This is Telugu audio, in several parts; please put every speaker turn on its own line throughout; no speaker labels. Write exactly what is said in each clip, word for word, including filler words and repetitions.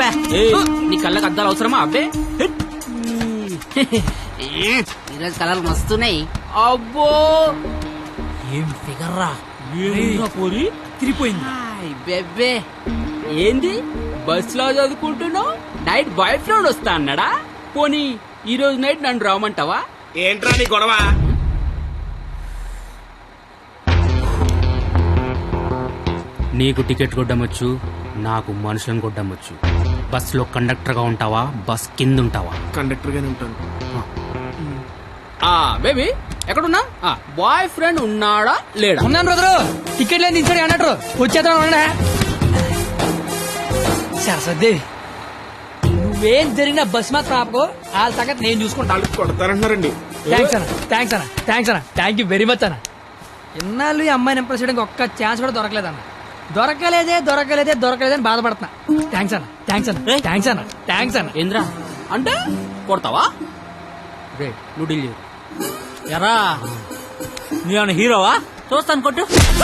బే.
నీ కళ్ళకి అద్దాలు అవసరమా అబ్బే?
ఈరోజు కలర్ మస్తున్నాయి.
అబ్బో
ఏం ఫిగర్ రా
పోరి
తిరిగిపోయింది.
బెబ్బే ఏంది బస్ లో చదువుకుంటున్నావు? నైట్ బాయ్ ఫ్రెండ్ వస్తా అన్నాడా? పోనీ ఈ రోజు నైట్ నన్ను రామంటావా?
ఏంట్రా నీ గొడవ?
నీకు టికెట్ కొట్టమొచ్చు, నాకు మనుషులను కొట్టమొచ్చు. బస్ లో కండక్టర్ గా ఉంటావా, బస్ కింద ఉంటావా?
కండక్టర్ గానే ఉంటాను.
బేబీ ఎక్కడున్నా? బాయ్ ఫ్రెండ్ ఉన్నాడా లేడా?
ఉన్నాను బ్రదరు. టికెట్ లేని దించాడు అన్నట్టు వచ్చేద్దాం. సరస్వదేవి నువ్వేం జరిగినా బస్ మాత్రం ఆపకు. వాళ్ళ సంగతి నేను చూసుకుంటాను.
కొడతారంటున్నారండి.
థ్యాంక్స్ అన్న థ్యాంక్స్ అన్న థ్యాంక్స్ అన్న థ్యాంక్ యూ వెరీ మచ్ అన్న. ఇన్నాళ్ళు ఈ అమ్మాయిని ఇంప్రెస్ చేయడానికి ఒక్క ఛాన్స్ కూడా దొరకలేదన్న. దొరకలేదే దొరకలేదే దొరకలేదే అని బాధపడుతున్నా. థ్యాంక్స్ అన్న థ్యాంక్స్ అన్న థ్యాంక్స్ అన్న థ్యాంక్స్ అన్న.
ఏంద్రా అంటే కొడతావా? నువ్వు డీల్ చేయు.
ఎరా నేను హీరోవా?
చూస్తాను కొట్టు.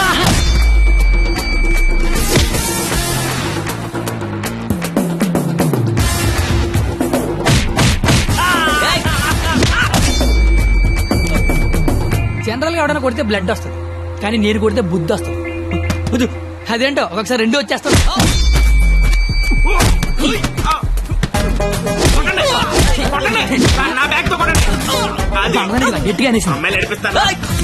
జనరల్ గా ఎవడైనా కొడితే బ్లడ్ వస్తుంది, కానీ నేను కొడితే బుద్ధి వస్తుంది. బుద్ధు అదేంటో ఒక్కొక్కసారి రెండు వచ్చేస్తాను. గట్టిగా అనేసి
అమ్మాయిలు నడిపిస్తాను.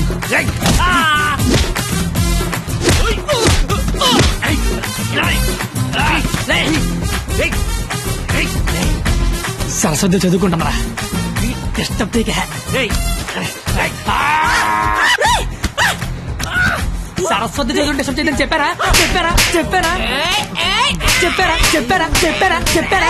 సరస్వతి చదువుకుంటామరా. డిస్టర్బ్ సరస్వతి చదువుకుంటే డిస్టర్బ్ చేయదని చెప్పారా చెప్పారా చెప్పారా చెప్పారా చెప్పారా చెప్పారా చెప్పారా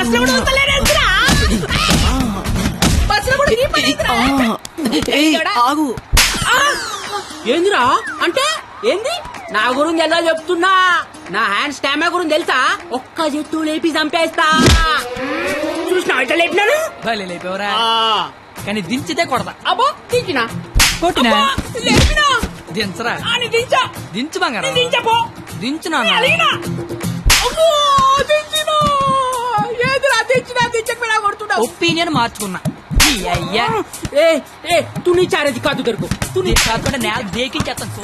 ఆగు. ఏందిరా అంటే ఏంది? నా గురించి ఎలా చెప్తున్నా? నా హ్యాండ్ స్టామా గురించి తెలుసా? ఒక్క చెట్టు లేపి చంపేస్తా. చూసినా ఇట్లా లేపినాను.
లేపేవరా కానీ దించితే కొడతా.
అబ్బో దించినా
కొట్టినా
లేపినా
దించరా
దించా
దించు బంగారం
దించపో
దించునా
ఏదిరా దించినా దించకపోయినా కొడుతున్నా.
ఒపీనియన్ మార్చుకున్నా. అయ్యా
ఏ ఏ తుని చారేది కాదు దొరుకు
తుని కాకుండా నేల దేకించేస్తాను.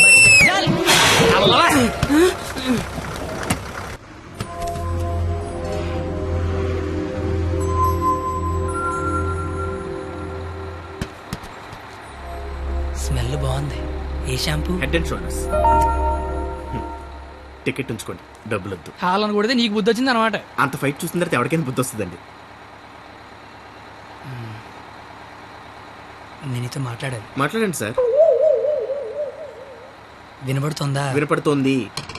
స్మెల్ బాగుంది. ఏ shampoo?
Head and Shoulders. Ticket ఉంచుకోండి, డబ్బులు వద్దు.
హాలను కొడితే నీకు బుద్ధి వచ్చింది అనమాట.
అంత ఫైట్ చూసిన తర్వాత ఎవరికైనా బుద్ధి వస్తుందండి.
నేను నీతో మాట్లాడాను.
మాట్లాడండి సార్.
వినపడుతుందా?
వినపడుతోంది.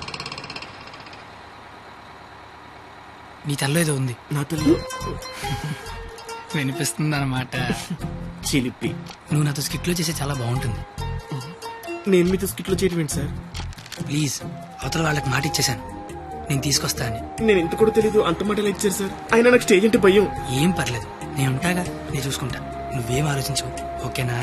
నీ తల్లో ఏదో ఉంది.
నా తల్లి
వినిపిస్తుంది అనమాట.
చిలిపి.
నువ్వు నాతో స్కిట్లో చేసే చాలా బాగుంటుంది.
నేను మీతో స్కిట్లో చేయడం ఏంటి సార్?
ప్లీజ్ అవతల వాళ్ళకి మాట ఇచ్చేసాను నేను తీసుకొస్తా అని.
నేను ఎంత కూడా తెలీదు, అంత మాటలు ఇచ్చారు సార్. అయినా నాకు స్టేజ్ అంటే భయం.
ఏం పర్లేదు, నేను ఉంటాగా, నేను చూసుకుంటా. నువ్వేం ఆలోచించు, ఓకేనా?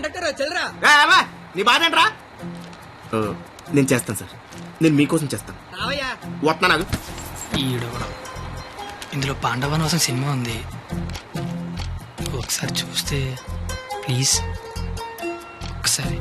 నీ బాధ ఏంట్రా? నేను చేస్తాను సార్, నేను మీకోసం చేస్తాను. వస్తున్నా నాకు.
ఈడు కూడా. ఇందులో పాండవనవసం సినిమా ఉంది, ఒకసారి చూస్తే ప్లీజ్. ఒకసారి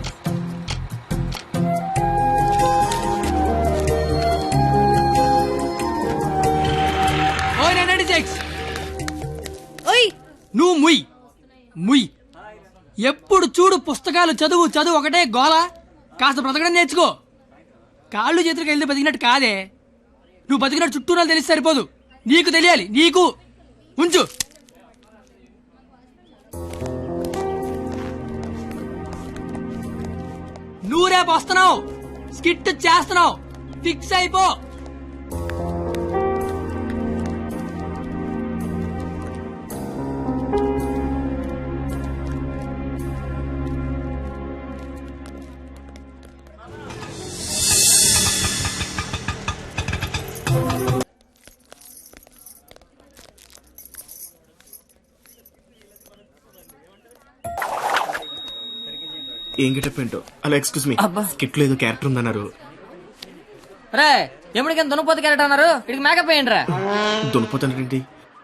నువ్వు ముయ్ ముయ్ ఎప్పుడు చూడు పుస్తకాలు చదువు చదువు ఒకటే గోల. కాస్త బ్రతకడం నేర్చుకో. కాళ్ళు చేతులకు వెళ్తే బతికినట్టు కాదే. నువ్వు బతికినట్టు చుట్టూ నాకు తెలిసి సరిపోదు, నీకు తెలియాలి. నీకు ఉంచు. నువ్వు రేపు వస్తున్నావు, స్కిట్ చేస్తున్నావు, ఫిక్స్ అయిపో.
ఏం గెటప్ ఏంటో. అలా ఎక్స్క్యూజ్ మీ, స్కిట్ లో ఏదో క్యారెక్టర్ ఉందన్నారు.
రే ఎప్పటికైనా దునపోతు క్యారెట్ అన్నారు ఇక్కడికి మేకప్ వేయండి రా.
దునిపోతానండి.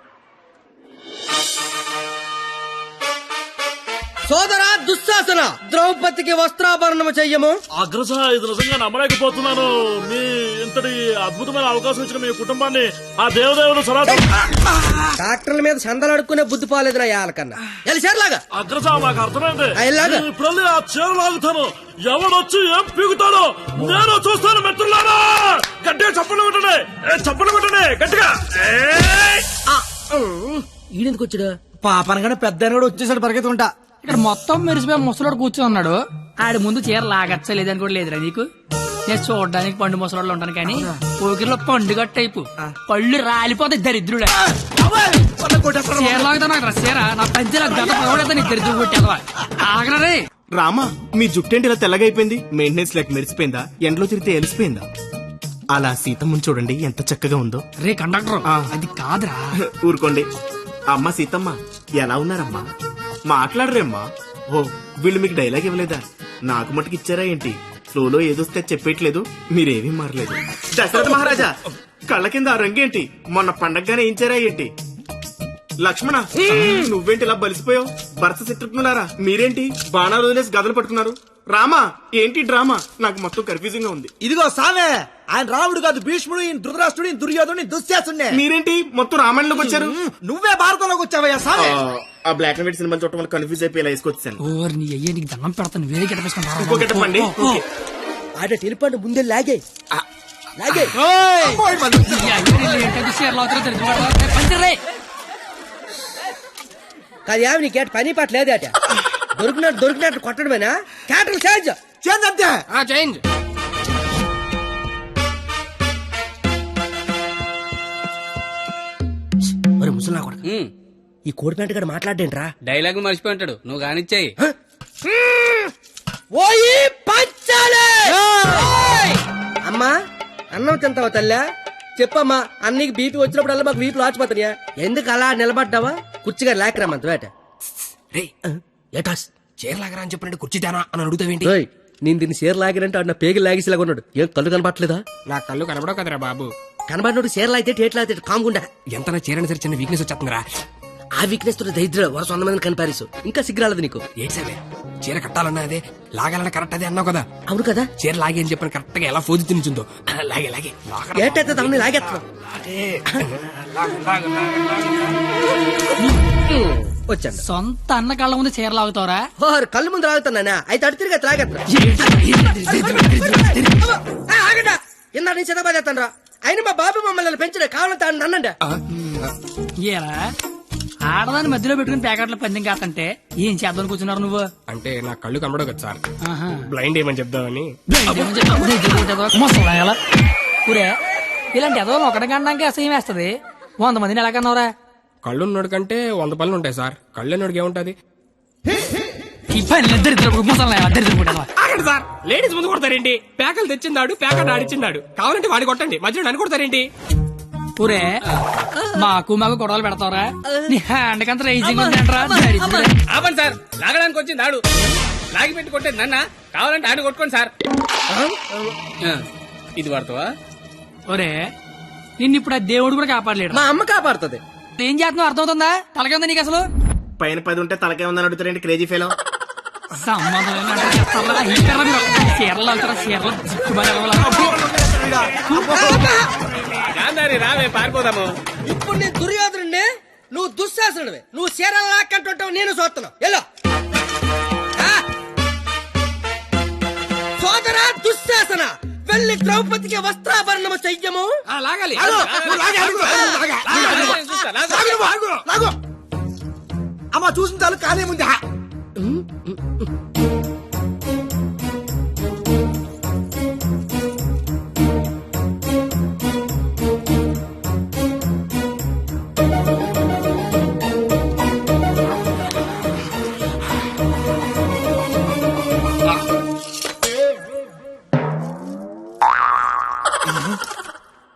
సోదరా దుశ్శాసన, ద్రౌపదికి వస్త్రాభరణము చెయ్యము.
అగ్రస ఇది నిజంగా నమ్మలేకపోతున్నాను. మీ ఇంతటి అద్భుతమైన అవకాశం ఇచ్చిన మీ కుటుంబాన్ని ఆ దేవదేవుడు సరా
డాక్టర్ల మీద చందలు అడుక్కునే బుద్ధి పోలేదు నా యాలకన్నా. ఎలిసేర్లాగా
అగ్రస నాకు అర్థమైంది.
ఆ, ఇలాగా?
నేను ఇప్పుడు ఆ చీర లాగుతాను. ఎవడొచ్చి ఏం పీగుతాడో నేను చూస్తాను మిత్రులారా. గట్టిగా చప్పట్లు కొట్టండి, ఏ, చప్పట్లు కొట్టండి గట్టిగా. ఏయ్!
ఈడెందుకు వచ్చాడు?
పాపనగానే పెద్ద కూడా వచ్చేసాడు పరిగెత్తుకుంటా.
ఇక్కడ మొత్తం మెరిసిపోయి ముసలోడు కూర్చొని ఉన్నాడు. ఆడి ముందు చీర లాగచ్చా లేదని కూడా లేదురా నీకు. నేను చూడడానికి పండు ముసలోళ్ళు ఉంటాను కానీ పోకిరిలో పండుగ టైపు పళ్ళు రాలిపోతాయి దరిద్రుడే. చీర లాగుతాను నాకు చీర నా పంచే గత పగడతా నీ దరిద్రుడు కొట్టేదవా ఆగరే.
రామా, మీ జుట్టేంటి ఇలా తెల్లగైపోయింది? మెయింటెనెన్స్ లేక మెరిసిపోయిందా? ఎండలో తిరిగితే ఎలిసిపోయిందా? అలా సీతమ్మని చూడండి ఎంత చక్కగా ఉందో.
రే కండక్టర్
ఆ.
అది కాదురా.
ఊరుకోండి. అమ్మ సీతమ్మ ఎలా ఉన్నారమ్మా? మాట్లాడరేమ్మా? ఓ వీళ్ళు మీకు డైలాగ్ ఇవ్వలేదా? నాకు మటుకు ఇచ్చారా ఏంటి? ఫ్లోలో ఏదొస్తే చెప్పేయట్లేదు, మీరేమీ మారలేదు. దశరథ మహారాజా కళ్ళ కింద ఆ రంగేంటి? మొన్న పండగగానే ఇచ్చారా ఏంటి? లక్ష్మణ నువ్వేంటి ఇలా బలిసిపోయావు? భరత శత్రుఘ్నులారా మీరేంటి బాణాలు వదిలేసి గదలు పట్టుకున్నారు? రామా ఏంటి డ్రామా? నాకు మొత్తం కన్ఫ్యూజింగ్ గా ఉంది.
ఇదిగో సామే, ఆయన రాముడు కాదు భీష్ముడు, ఈయన ధృతరాష్ట్రుడు, ఈయన దుర్యోధనుడు, ఈయన దుశ్శాసుడే.
మీరేంటి మొత్తం రామాయణంలోకి వచ్చారు?
నువ్వే భారతంలోకి వచ్చావయ్యా సామే.
ఆ, ఆ బ్లాక్ అండ్ వైట్ సినిమా చూడటం వల్ల కన్ఫ్యూజ్ అయిపోయి ఇలా వేసుకొచ్చాను.
ఓర్ నీ అయ్యే నీకు దండం పెడతాను వేరే గిట్ట
ఇంకో గెటప్ అండి. ఓకే.
ఆడ టెలిపండి ముందే లాగే లాగే.
చీర లాగుతారో దరిద్రుడు పంచరే.
కాదు ఏమి నీ కేట పని పాట లేదేట. దొరికినట్టు దొరికినట్టు కొట్టడమేనా? క్యాటర్ చేంజ్
చేంజ్ అంతే.
చేంజ్
మరి ముసలా కొడక ఈ కోడిపేంట గడ మాట్లాడేంట్రా?
డైలాగ్ మర్చిపోయి ఉంటాడు, నువ్వు కానిచ్చాయి.
ఓయి పంచాలే. అమ్మా అన్నం తింటావా తల్లా? చెప్పమ్మా, అన్నీకి బీపీ వచ్చినప్పుడల్లా మాకు బీపీ లాచిపోతాయా? ఎందుకు అలా నిలబడ్డావా? కుర్చీగా లేకరామంత వేట. ఏటాస్
చీరలాగరా అని చెప్పినట్టు కుర్చీ తేనా అని అడుగుతావేంటి?
ఓయ్, నేను దీన్ని చీర లాగినంటే ఆడు నా పేగి లాగేసేలాగా ఉన్నాడు. ఏం కళ్ళు కనపట్లేదా?
నా కళ్ళు కనబడవు కదరా బాబు.
కనబడినోడు చీరలు అయితే టేట్లు అయితే కాముకుండా.
ఎంత నా చీరని సరే చిన్న వీక్నెస్ వచ్చేస్తుందిరా.
ఆ వీక్నెస్ తో దరిద్ర వరుస వంద మందిని కనిపారేసు. ఇంకా సిగ్గురాలదు నీకు.
ఏంటి సరే చీర కట్టాలన్నా అదే, లాగాలన్నా కరెక్ట్ అదే అన్నావు కదా.
అవును కదా?
చీర లాగే అని చెప్పిన కరెక్ట్ గా ఎలా ఫోజు తినిచుందో లాగే లాగే
ఏటైతే తమని లాగేస్తున్నావు. వచ్చాను.
సొంత అన్న కళ్ళ ముందు చీర లాగుతావరా?
ఓర్ కళ్ళు ముందు లాగుతున్నానా? అయితే అడు తిరిగి లాగేస్తున్నా. ఆగండా ఇందా నేను చిన్నబాద్ చేస్తాను రా. అయినా మా బాబు మమ్మల్ని పెంచిన కావాలంటే అన్నండి.
ఏరా ఆడదాన్ని మధ్యలో పెట్టుకుని ప్యాకెట్ల పందెం కాకంటే ఏం చేద్దాం కూర్చున్నారు నువ్వు?
అంటే నా కళ్ళు కనబడవు కదా సార్,
ఆహా.
బ్లైండ్ ఏమని చెప్దామని.
ముసలాయలా. ఊరే ఇలాంటి ఎదవలు ఒకటి కనడానికి అసహ్యం వేస్తది. వంద మందిని ఎలా కన్నావురా?
కళ్ళు ఉన్నోడు కంటే వంద పనులు ఉంటాయి సార్, కళ్ళు ఉన్నోడికి ఏముంటది?
ఈ పని దరిద్రపు ముసలాయలా దరిద్రపు.
ఆగండి సార్, లేడీస్ ముందు కొడతారేంటి? ప్యాకలు తెచ్చిందాడు, ప్యాకెట్ ఆడిచ్చిందాడు, కావాలంటే వాడి కొట్టండి, మధ్యలో నన్ను కొడతారేంటి?
ఊరే మాకు మాకు గొడవలు పెడతావరా? నీ హ్యాండ్ కంత రైజింగ్ ఉందంటరా?
ఆపండి సార్, లాగడానికి వచ్చింది ఆడు. లాగి పెట్టి కొట్టేది నన్న, కావాలంటే ఆడు కొట్టుకోండి సార్. ఆ, ఇది వాడతావా?
ఒరే నిన్ను ఇప్పుడు ఆ దేవుడు కూడా కాపాడలేడు.
మా అమ్మ కాపాడుతుంది.
ఏం చేస్తున్నావు అర్థమవుతుందా? తలకే ఉంది నీకు అసలు?
పైన పది ఉంటే తలకే ఉందని అడుగుతారేంటి క్రేజీ ఫెలో?
సంబంధం లేని అంటే చేస్తారా? ఈ కర్ర మీరు చీరలు వెళ్తారా? చీరలు జిక్కుమని వెళ్ళాలా?
గాంధారి రావే పారిపోదాము.
ఇప్పుడు నేను దుర్యోధనుడిని, నువ్వు దుశ్శాసనుడివి. నువ్వు చీరలు లాక్కంటుంటావు, నేను చూస్తున్నావు. ఎల్లో సోదరా దుశ్శాసన, వెళ్ళి ద్రౌపదికి వస్త్రాభరణము చెయ్యము.
లాగాలి
అమ్మ చూసిన చాలు కానీ ముందు.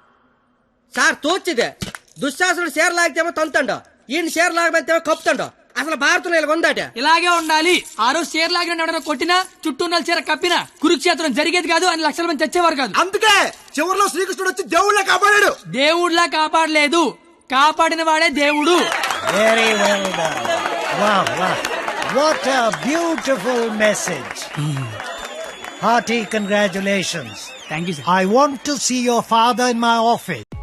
సార్ తోచిదే దుశ్శాసనుడు చీర లాగితేమో తంతండో, ఈయన చీర లాగమంతేమో కప్పుతాండో. అసలు భారతంలో ఇలా ఉందాట.
ఇలాగే ఉండాలి. ఆ రోజు చీర లాగిన ఎవడైనా కొట్టినా చుట్టూ ఉన్న చీర కప్పినా కురుక్షేత్రం జరిగేది కాదు అని లక్షల మంది చచ్చేవారు కాదు.
అందుకే చివరిలో శ్రీకృష్ణుడు వచ్చి దేవుళ్ళ కాపాడాడు.
దేవుడిలా కాపాడలేదు, కాపాడిన వాడే దేవుడు.
Very well done. Wow, wow. What a beautiful message. Hearty congratulations.
Thank you sir.
I want to see your father in my office.